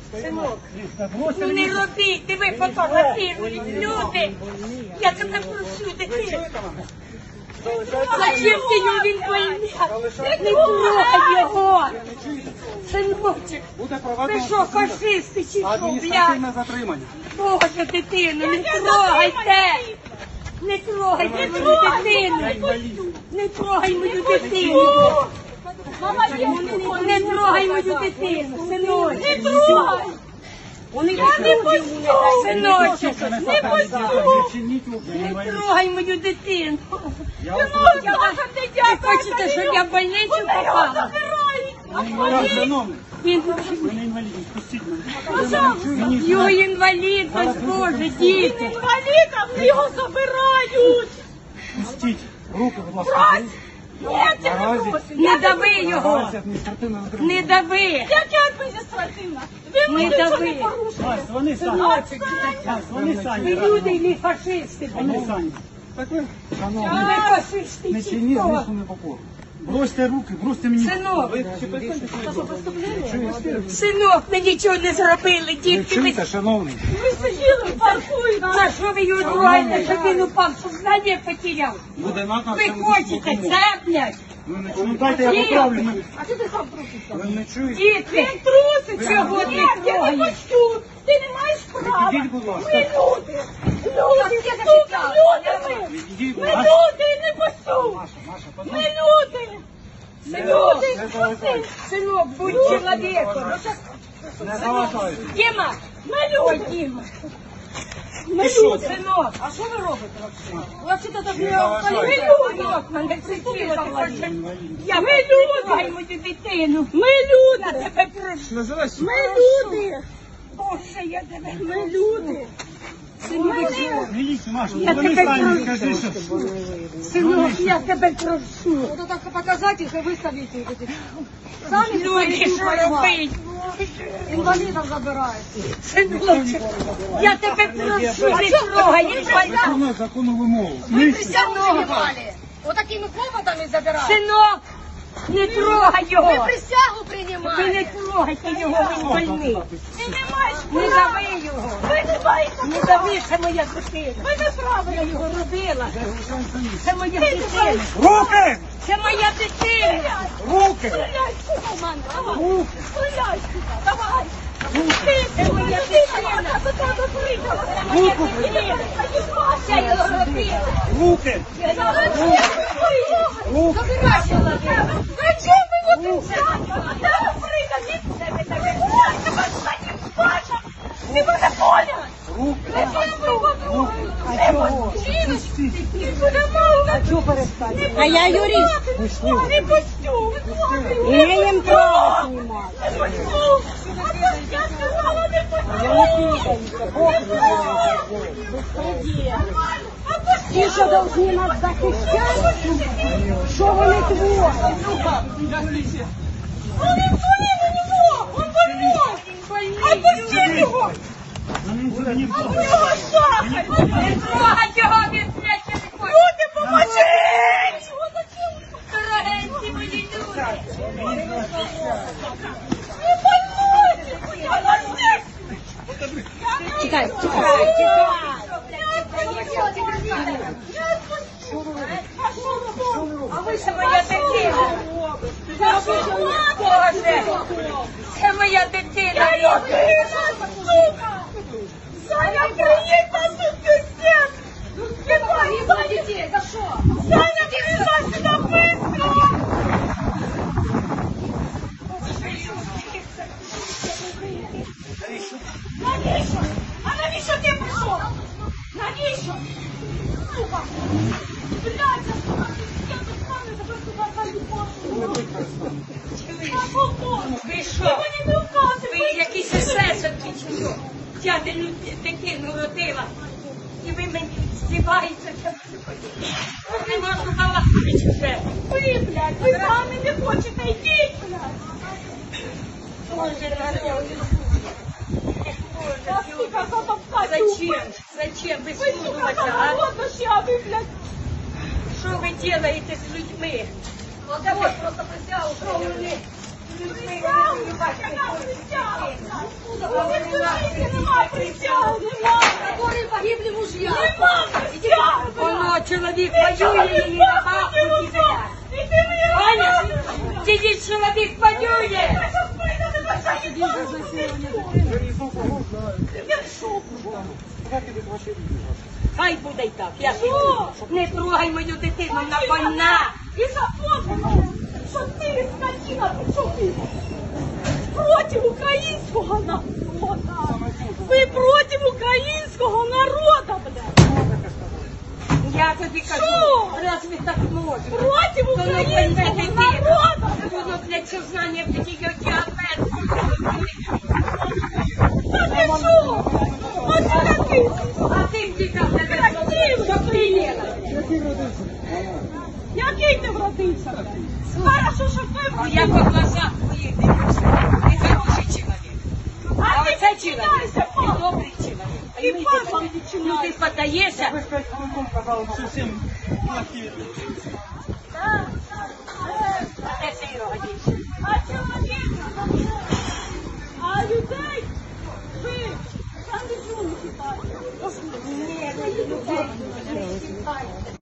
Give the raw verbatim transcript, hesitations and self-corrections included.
Синок, ну не робіть, диви, фотографірують люди. Я тебе прошу, дитину. Зачем ти його, він больний? Не трогай його. Синочек, ви що, фашисти чи що, блядь? затримання. Боже, дитину, не трогайте. Не трогайте мою дитину. Не трогай мою дитину. Не трогай мою дитину, синочок. Не трогай. Я не пустю, синочок. Не пустю. Не трогай мою дитину. Ви хочете, щоб я в больницю попала? Він Мене інвалідність, пустіть мене. його інвалідність, Боже, діти. Інвалідам його забирають! Пустіть. Руки, будь ласка. Ні, це не просить. Не дави його. Наразі адміністративне затримання. Не дави. Яке адміністративне? Ви Не мені нічого дави. не порушили. Вась, вони самі. Вась, вони Ви самі. люди і не фашисти. Вони самі. Шановні, Ви фашисти не чи чиніть хто? змусу непокору. Бросьте руки, бросьте мені. Синок. Ви чи перестаньте чуєте? Синок, ми нічого не зробили, Ви дітки. Ми... чуєте, шановний? Ви сиділи в парку і За що ви його трогаєте, щоб він упав, щоб знання потеряв? Буде наказ. Ви хочете це, блядь? Ви не чуєте? Ну дайте я поправлю. Ми- А що ти сам трусишся? Ви не чуєте? Діти, Він труситься! Чого ти Ні, я не трогаєш? хочу! Ти не маєш права! Відійдіть, будь ласка. Ми люди! Люди, сука, люди ми! Відійдіть, будь Ми ласка. люди, не пустю! Маша, Маша, Ми подожди. люди! синок, Люди, Не пусти! заважайте. синок, будь чоловіком. Не заважайте. Діма, Ми ой, люди! Діма, Ти що? синок. А що ви робите взагалі? Вообще-то так Не не заважайте. Синок, мене причина. Я Ми люди, мою дитину. Ми Я люди! тебе прошу. Називайся. Ми люди! Боже, я тебе Ми прошу. люди! Синок, Міліцію, Маша, Я вони тебе самі, прошу. скажи, що... синок, я тебе прошу. Вот так показать их и выставить их. эти. Сами Люди, що робить? инвалидов забирают. Синочок, я тебе прошу, не трогай, не трогай. Виконує законну вимогу. Вы присягу принимали. Вот такими клопотами забирают. Синок, не трогай його. Вы присягу Ви не принимали. трогайте його, він больний. Ты не маешь Не права. дави його. Вы не маете Не права. дави, це моя дитина. Вы не правы. Я його робила. Це моя дитина. Руки! Це моя дитина. Руки! Стреляй, сука, в мене. Давай. Стреляй, сука. Давай. Ты, Це моя дитина. ты так закрыла. Руку! Я його робила. Руки! Руки! Забирай человека. Зачем вы его трясете? Да, прыгай, ты мене понял? Руки! Зачем ви його трогаєте? А чого перестати? А я юрист. Не пустю. І я їм право знімаю. Не пустю. Я сказала, не пустю. Ті, що повинні нас захищати, що вони творять? Он инсулин у него. Он больной. Отпусти его. У него сахар. Трогать його, він блядь, я не хочу. Люди, поможіть. Дорогенькі мої люди. Не больной. Подожди. Чекай, чекай. А ви це моя дитина. Боже, це моя дитина. Саня, приедь на суд всех! Ебать, Саня, детей, за что? Саня, приезжай сюда быстро! Навіщо? А навіщо ти прийшов? Навіщо? Сука! Блядь, я сука, я тут з вами тебе сюди зайду пошу. Ви що? Ти мені не вказуй! Ви якісь есесовки чи що? Я дитину родила. І ви мені здіваєтеся. Не можу балакати вже. Ви, блядь, ви самі не хочете, йдіть, блядь! Боже, народ. Я, сука, затовкаю! Зачем? Зачем ви Ви, сука, слухаєте, а? голодно ще, а ви, блядь! Що ви робите з людьми? От просто присягу, Що вони з людьми? Присягу, яка присяга, блядь! Скажите, нема присяги, нема. Которые погибли мужья. Нема присяги. Воно чоловік воює і на бабку кидає. Іди мені Аня, сидить чоловік воює. Хай буде й так, я піду. Не трогай мою дитину, вона больна. І запомни, що ти, скотина, причому ти проти українського народу. Ви проти українського народу, блядь. Я тобі кажу, Що? разве так можна? Проти українського народу. Воно для сознання в її діабет. А для чого? А ти який? А ти втікав на Красивий. що прилєла. Який ти вродився? Хорошо, що ви Ну, я по глазах твоїх дивлюся. Ти хороший чоловік. А ти оце чоловік, відчиняйся, він пан. добрий чоловік. А І йому пан йде- вам Ну, відчиняйся. ти подаєшся, Ви ж п'ять хвилин казали, що всім плохі. Так.